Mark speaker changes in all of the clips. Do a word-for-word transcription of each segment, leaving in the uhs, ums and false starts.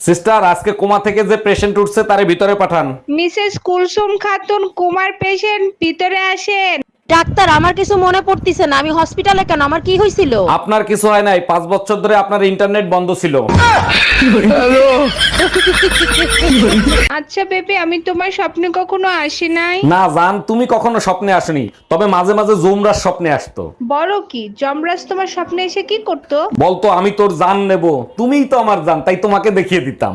Speaker 1: Sister, আজকে coma থেকে যে পেশেন্ট উঠছে তারে ভিতরে পাঠান।
Speaker 2: মিসেস কুলসুম খাতুন কুমার পেশেন্ট, ভিতরে আসেন।
Speaker 3: ডাক্তার, আমার কিছু মনে পড়তিছে না। আমি হসপিটালে কেন? আমার কি হয়েছিল?
Speaker 1: আপনার কিছু হয় নাই, পাঁচ বছর ধরে আপনার ইন্টারনেট বন্ধ ছিল।
Speaker 2: আচ্ছা বেবি, আমি তোমার স্বপ্নে কখনো আসি নাই।
Speaker 1: না জান, তুমি কখনো স্বপ্নে আসনি, তবে মাঝে মাঝে জুমরার স্বপ্নে আসতো।
Speaker 2: বলো কি, যমরাজ তোমার স্বপ্নে এসে কি করতো?
Speaker 1: বলতো আমি তোর জান নেব, তুমিই তো আমার জান, তাই তোমাকে দেখিয়ে দিতাম।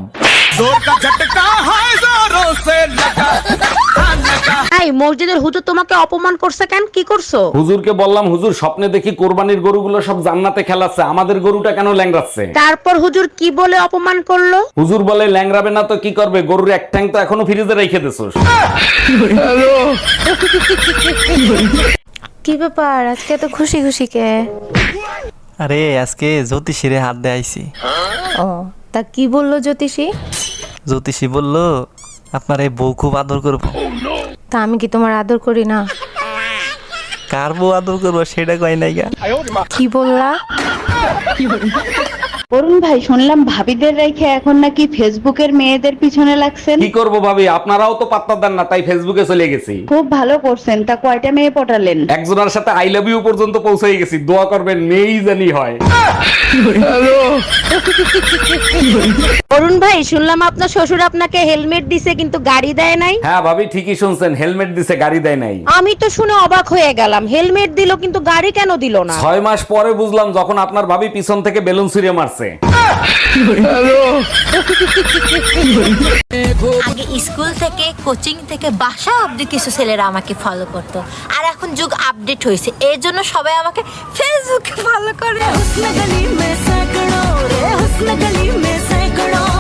Speaker 3: এই মসজিদের হুজুর তোমাকে অপমান করছে কেন? কি করছো?
Speaker 1: হুজুরকে বললাম, হুজুর স্বপ্নে দেখি কোরবানির গরুগুলো সব জান্নাতে খেলাচ্ছে, আমাদের গরুটা কেন ল্যাংড়াচ্ছে?
Speaker 3: তারপর হুজুর কি বলে অপমান করলো?
Speaker 1: হুজুর বলে, ল্যাংড়াবে না তো কি করবে, গরুর এক ঠ্যাং তো এখনো ফ্রিজে রেখে দিছোস।
Speaker 4: কি ব্যাপার, আজকে তো খুশি খুশি কে?
Speaker 5: আরে আজকে জ্যোতিষীরে হাত দিয়ে আইছি।
Speaker 4: ও, তা কি বললো জ্যোতিষী?
Speaker 5: জ্যোতিষী বলল আপনার এই বউ খুব আদর করবো।
Speaker 4: তা আমি কি তোমার আদর করি না?
Speaker 5: কার বউ আদর করবো সেটা কয় নাই গা।
Speaker 4: কি বললা?
Speaker 6: অরুণ ভাই, শুনলাম ভাবিদের রেখে এখন নাকি ফেসবুকের মেয়েদের পিছনে লাগছেন।
Speaker 1: কি করব ভাবি, আপনারাও তো পাত্তা দেন না, তাই ফেসবুকে চলে গেছি।
Speaker 6: খুব ভালো করছেন। তা কয়টা মেয়ে পটালেন?
Speaker 1: একজনের সাথে আই লাভ ইউ পর্যন্ত পৌঁছে গেছি, দোয়া করবেন মেয়েই জানি হয়।
Speaker 3: অরুণ ভাই, শুনলাম আপনার শ্বশুর আপনাকে হেলমেট দিছে কিন্তু গাড়ি দেয় নাই।
Speaker 1: হ্যাঁ ভাবি, ঠিকই শুনছেন, হেলমেট দিছে, গাড়ি দেয় নাই।
Speaker 3: আমি তো শুনে অবাক হয়ে গেলাম, হেলমেট দিল কিন্তু গাড়ি কেন দিল না?
Speaker 1: ছয় মাস পরে বুঝলাম, যখন আপনার ভাবি পিছন থেকে বেলুন ছুঁড়ে মারছে।
Speaker 7: আগে স্কুল থেকে কোচিং থেকে বাসা অবধি কিছু ছেলেরা আমাকে ফলো করতো, আর এখন যুগ আপডেট হয়েছে, এর জন্য সবাই আমাকে ফেসবুকে ফলো করে।